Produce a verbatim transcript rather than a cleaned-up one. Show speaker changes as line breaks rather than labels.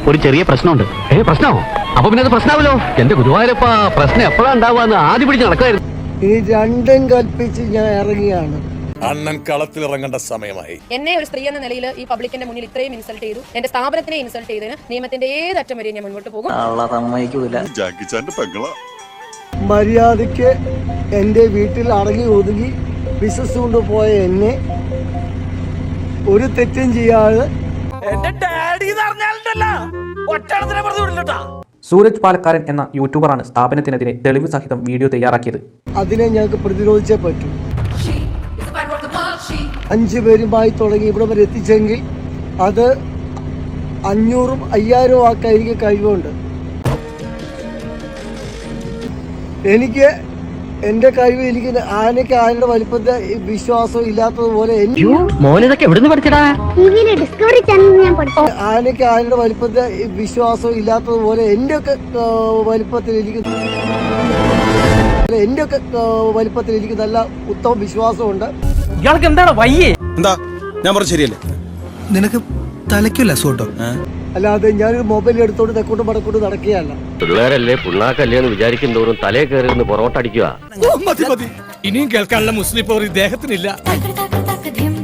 ഒരു ചെറിയ പ്രശ്നമുണ്ട്. ഏ പ്രശ്നമോ? അപ്പൊ പിന്നെ അത് പ്രശ്നമാവല്ലോ. എന്റെ ഗുരുവായൂരപ്പ, പ്രശ്നം എപ്പോഴാ ഉണ്ടാവുക? ആദ്യം പിടിച്ച് നടക്കായിരുന്നു.
ഈ രണ്ടും കൽപ്പിച്ച് ഞാൻ ഇറങ്ങിയാണ്.
അണ്ണൻ കളത്തിൽ ഇറങ്ങേണ്ട സമയമായി.
എന്നെ ഒരു സ്ത്രീ എന്ന നിലയിൽ ഈ പബ്ലിക്കിന്റെ മുന്നിൽ ഇത്രയും ഇൻസൾട്ട് ചെയ്തു, എന്റെ സ്ഥാപനത്തിനെ ഇൻസൾട്ട് ചെയ്തതിന് നിയമത്തിന്റെ ഏതറ്റം വരെ ഞാൻ മുന്നോട്ട് പോകും.
മര്യാദയ്ക്ക് എൻ്റെ വീട്ടിൽ അടങ്ങി ഒതുങ്ങി ബിസിനസ് കൊണ്ടുപോയ എന്നെ ഒരു തെറ്റും ചെയ്യാതെ
സൂരജ് പാലക്കാരൻ എന്ന യൂട്യൂബറാണ് സ്ഥാപനത്തിനെതിരെ തെളിവ് സഹിതം വീഡിയോ തയ്യാറാക്കിയത്.
അതിനെ ഞങ്ങൾക്ക് പ്രതിരോധിച്ചേ പറ്റൂ. അഞ്ചു പേരുമായി തുടങ്ങി ഇവിടെ വരെ എത്തിച്ചെങ്കിൽ അത് അഞ്ഞൂറും അയ്യായിരവും ആക്കാൻ എനിക്ക് കഴിവുണ്ട്. എനിക്ക് എന്റെ കഴിവ് എനിക്ക് ആനയ്ക്ക് ആനയുടെ വലിപ്പത്തെ വിശ്വാസം ഇല്ലാത്തതുപോലെ ആനയ്ക്ക് ആനയുടെ വലിപ്പത്തെ വിശ്വാസം ഇല്ലാത്തതുപോലെ എന്റെ ഒക്കെ വലിപ്പത്തിൽ എനിക്ക് എന്റെ ഒക്കെ വലിപ്പത്തിൽ എനിക്ക് നല്ല ഉത്തമ വിശ്വാസമുണ്ട്.
ഇയാൾക്ക് എന്താണ് വയ്യേ?
എന്താ ഞാൻ പറഞ്ഞ ശരിയല്ലേ?
നിനക്ക് തലയ്ക്കല്ല സോട്ടോ.
അല്ലാതെ ഞാനൊരു മൊബൈൽ എടുത്തോണ്ട് തെക്കോട്ട് മടക്കോട്ട് നടക്കുകയല്ല.
പിള്ളേരല്ലേ പിള്ളാക്കല്ലേ എന്ന് വിചാരിക്കും തോറും തലേ കയറി പൊറോട്ടടിക്കുക.
ഇനിയും കേൾക്കാനുള്ള മുസ്ലിം പവർ ഇദ്ദേഹത്തിനില്ല.